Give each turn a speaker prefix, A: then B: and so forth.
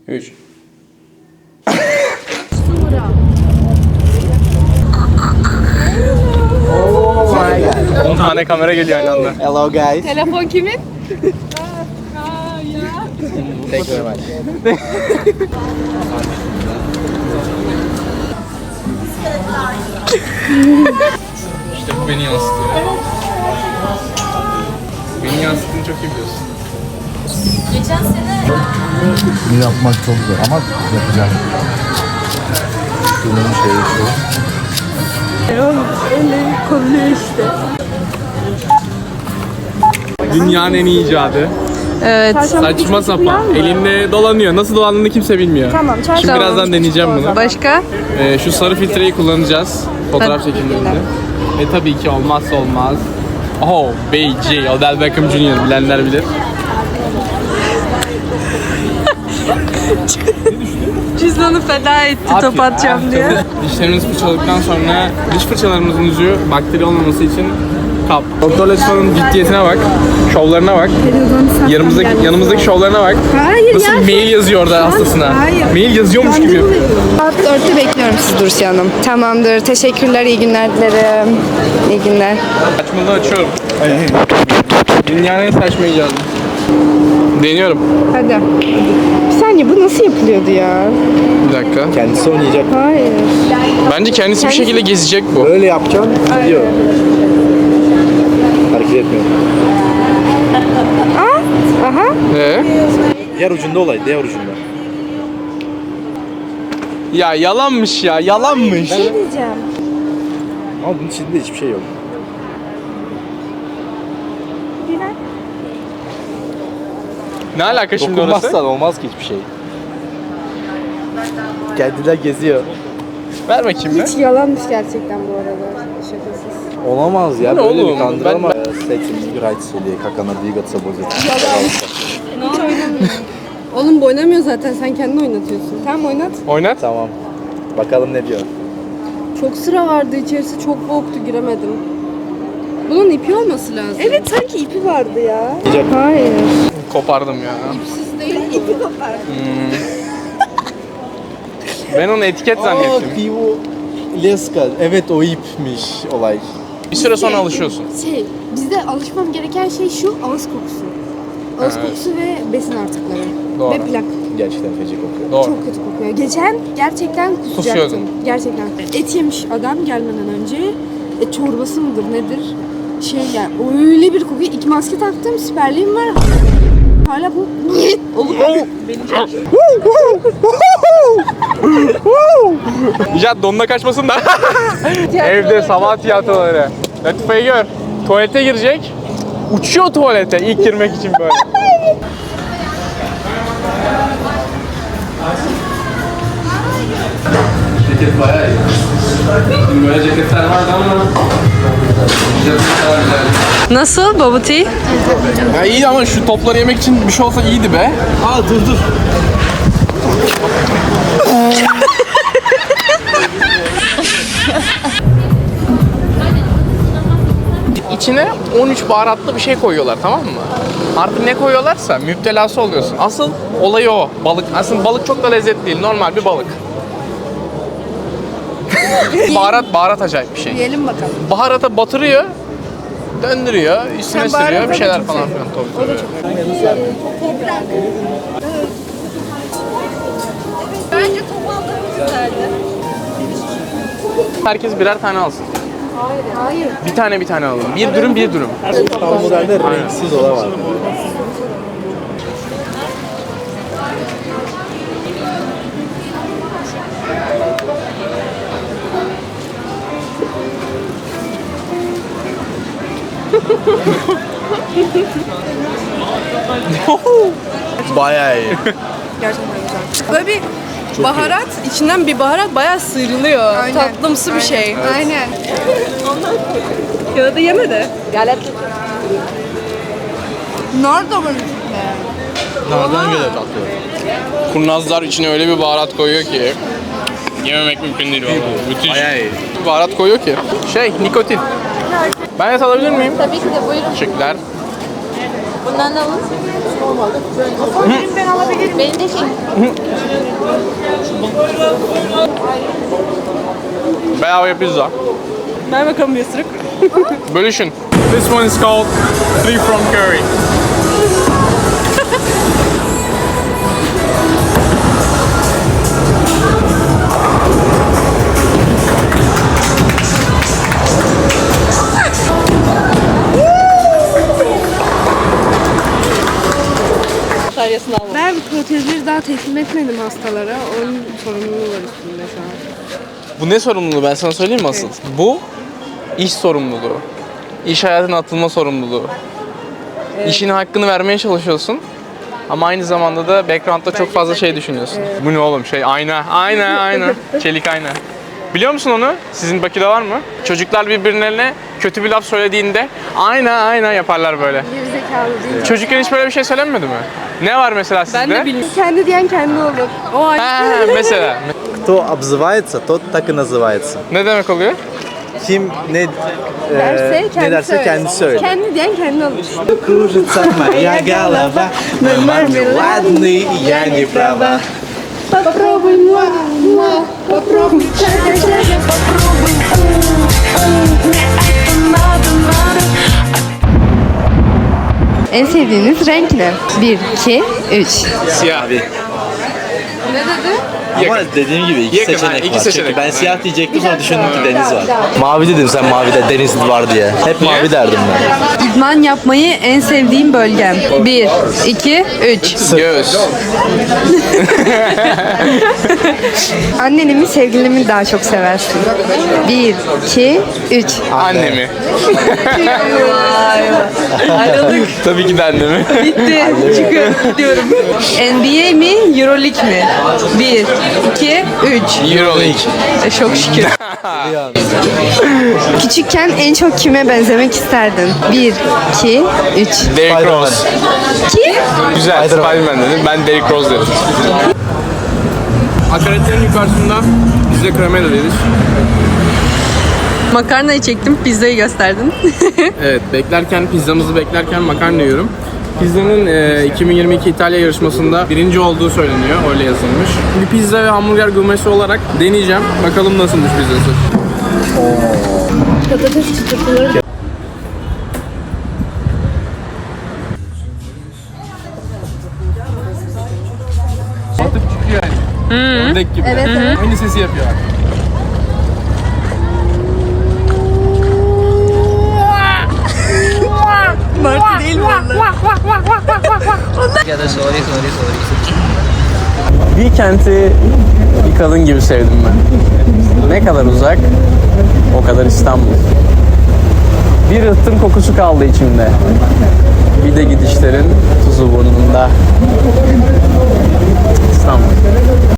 A: 3. 10 tane kamera geliyor aynı anda.
B: Hello guys.
C: Telefon kimin?
B: Thank you very much.
A: İşte bu beni yansıtıyor. Beni yansıttığını çok iyi biliyorsun.
C: Geçen sene
D: Bunu yapmak çok zor ama yapacağım. Bunun şeyi şu.
C: eli kolluyor işte.
A: Dünyanın en iyi icadı.
C: Evet.
A: Saçma sapan. Elinde dolanıyor. Nasıl dolandığını kimse bilmiyor.
C: Tamam,
A: Şimdi birazdan deneyeceğim bunu.
C: Başka?
A: Şu sarı filtreyi kullanacağız. Fotoğraf çekimlerinde. Ve tabii ki olmazsa olmaz. Oh, BJ, Odell Beckham Jr. bilenler bilir.
C: Cüzdanı feda etti top atacağım diye.
A: Dişlerimizi fırçaladıktan sonra diş fırçalarımızın ucu bakteri olmaması için kap. Doktor Letso'nun ciddiyetine bak, şovlarına bak. Yanımızdaki şovlarına bak.
C: Hayır
A: Nasıl
C: ya.
A: mail yazıyor orada hastasına.
C: Hayır.
A: Mail yazıyormuş gibi.
E: Saat 4'te bekliyorum sizi Dursi Hanım. Tamamdır. Teşekkürler. İyi günler dilerim. İyi günler.
A: Saçmalığı açıyorum. Dünyanın en saçma icadı. Deniyorum.
E: Hadi. Bir saniye bu nasıl yapılıyordu ya?
A: Bir dakika.
B: Kendisi oynayacak.
E: Hayır.
A: Bence kendisi bir şekilde gezecek bu.
B: Böyle yapacaksın, gidiyor. Hareket etmiyor.
E: Aha.
B: Diğer ucunda olay, diğer ucunda.
A: Ya yalanmış ya, yalanmış.
E: Ne diyeceğim?
B: Ama bunun içinde hiçbir şey yok.
A: Ne alaka şimdi orası?
B: Dokunmazsan olmaz ki hiçbir şey. Kendiler geziyor.
A: Ver bakayım be.
E: Hiç yalanmış gerçekten bu arada. Şakasız.
B: Olamaz ya,
A: Ne
B: böyle
A: oğlum?
B: bir kandırma. Секси не играйте с или как она двигаться будет.
E: Oğlum bu oynamıyor zaten. Sen kendin oynatıyorsun. Tamam oynat.
A: Oynat.
B: Tamam. Bakalım ne diyor.
E: Çok sıra vardı içerisi. Çok boğuktu giremedim. Bunun ipi olması lazım. Evet sanki ipi vardı ya.
B: Yiyecek.
E: Hayır.
A: Kopardım ya.
E: Siz değil ipi kopar.
A: Ben onu etiket zannettim.
B: Pivo Leska. Evet o ipmiş olay.
A: Bir süre sonra alışıyorsun.
E: Bizde alışmam gereken şey şu ağız kokusu. Ağız kokusu ve besin artıkları.
A: Doğru.
E: Ve plak.
B: Gerçekten feci kokuyor.
A: Doğru.
E: Çok kötü kokuyor. Geçen gerçekten kusacaktım.
A: Kusuyordun.
E: Gerçekten. Et yemiş adam gelmeden önce. Et çorbası mıdır nedir? Yani öyle bir kokuyor. 2 maske taktım. Siperliğim var. Hala bu
A: İcat donuna kaçmasın da. Evde sabah tiyatroları. Latife'yi gör. Tuvalete girecek. Uçuyor tuvalete ilk girmek için böyle. Ceket bayağı iyi. Şimdi böyle ceketler vardı ama
C: Nasıl bubble tea?
A: ya iyi ama şu topları yemek için bir şey olsa iyiydi be.
B: Aa dur.
A: İçine 13 baharatlı bir şey koyuyorlar, tamam mı? Artık ne koyuyorlarsa müptelası oluyorsun. Asıl olayı o. Balık. Aslında balık çok da lezzetli değil. Normal bir balık. baharat acayip bir şey.
E: yiyelim bakalım.
A: Baharata batırıyor, döndürüyor, üstüne
E: Sen
A: sürüyor, bir
E: baharata
A: şeyler
E: da
A: falan
E: çok
A: filan. Tabii.
E: Bence topaldığımız güzeldi.
A: Herkes birer tane alsın.
E: Hayır.
A: Bir tane alalım. Bir dürüm, bir dürüm.
B: Tam modelde renksiz ola var. Bayağı iyi.
E: Gerçekten güzel.
C: Böyle bir baharat, içinden bir baharat bayağı sıyrılıyor.
E: Aynen.
C: Tatlımsı bir şey.
E: Aynen.
C: Ya da yeme de.
E: Nar da var içinde.
B: Nereden göre tatlı?
A: Kurnazlar içine öyle bir baharat koyuyor ki yememek mümkün değil vallahi. Müthiş.
B: Bayağı iyi.
A: Bir baharat koyuyor ki. Nikotin. Ben de alabilir miyim?
E: Tabii ki de buyurun.
A: Teşekkürler.
F: Bundan da alın. Ben alabilirim. Benim de şey.
A: Bedava pizza.
C: Ver bakalım bir ısırık.
A: Bölüşün. This one is called Three from Curry.
C: Bataryasını almadım.
E: Ben protezleri daha teslim etmedim hastalara. Onun sorumluluğu var üstünde şu an.
A: Bu ne sorumluluğu ben sana söyleyeyim mi asıl? Bu iş sorumluluğu. İş hayatına atılma sorumluluğu. İşin hakkını vermeye çalışıyorsun. Ama aynı zamanda da background'da çok fazla şey düşünüyorsun. Bu ne oğlum şey ayna. Çelik ayna. Biliyor musun onu? Sizin Bakü'de var mı? Çocuklar birbirlerine kötü bir laf söylediğinde ayna yaparlar böyle.
E: Gerizekalı değil.
A: Çocukken hiç böyle bir şey söylenmedi mi? Ne var mesela sizde?
C: Ben de bilmiyorum.
E: Kendi diyen kendi olur.
C: O ayrı.
A: Mesela.
B: Кто обзывается, тот так и называется.
A: Ne demek oluyor?
B: Kim ne
E: Derse
B: ne
E: kendi
B: derse
E: söyler.
B: kendisi söyler.
E: Kendi diyen kendi olur.
B: Кружится моя голова, мой мармеладный, я не права.
E: Попробуй, попробуй. En sevdiğiniz renk ne? 1, 2, 3.
A: Siyah.
B: Ama dediğim gibi iki
A: Yakın,
B: seçenek
A: iki
B: var.
A: seçenek
B: Çünkü ben
A: var.
B: siyah diyecektim sonra düşündüm ki deniz var. Mavi dedim sen mavide deniz var diye. Hep mavi derdim ben.
C: İdman yapmayı en sevdiğim bölgem. 1, 2, 3.
A: Göğüs.
E: Anneni mi sevgilini mi daha çok seversin? 1, 2, 3.
A: Annemi.
C: Ayrıldık.
A: Tabii ki de annemi.
C: Bitti. Çıkıyorum. Gidiyorum. NBA mi? Euroleague mi? 1, 2, 3.
A: Euroleague.
C: Çok şükür.
E: Küçükken en çok kime benzemek isterdin? 1, 2, 3.
A: Derrick Rose.
E: Kim?
A: Güzel. Spider-Man dedim. Ben Derrick Rose dedim. Akaretlerin yukarısında biz de kremel yedik.
C: Makarnayı çektim, pizzayı gösterdin.
A: Evet, pizzamızı beklerken makarna yiyorum. Pizzanın 2022 İtalya yarışmasında birinci olduğu söyleniyor, öyle yazılmış. Bir pizza ve hamburger gurmesi olarak deneyeceğim. Bakalım nasılmış pizzası.
E: Patates çıtırtıları.
A: Atıp çıkıyor yani. Ördek gibi.
E: Evet, evet.
A: Aynı sesi yapıyor.
C: Martı değil mi onlar?
A: Bir kenti bir kadın gibi sevdim ben. Ne kadar uzak, o kadar İstanbul. Bir ıhtın kokusu kaldı içimde. Bir de gidişlerin tuzu burnunda. İstanbul.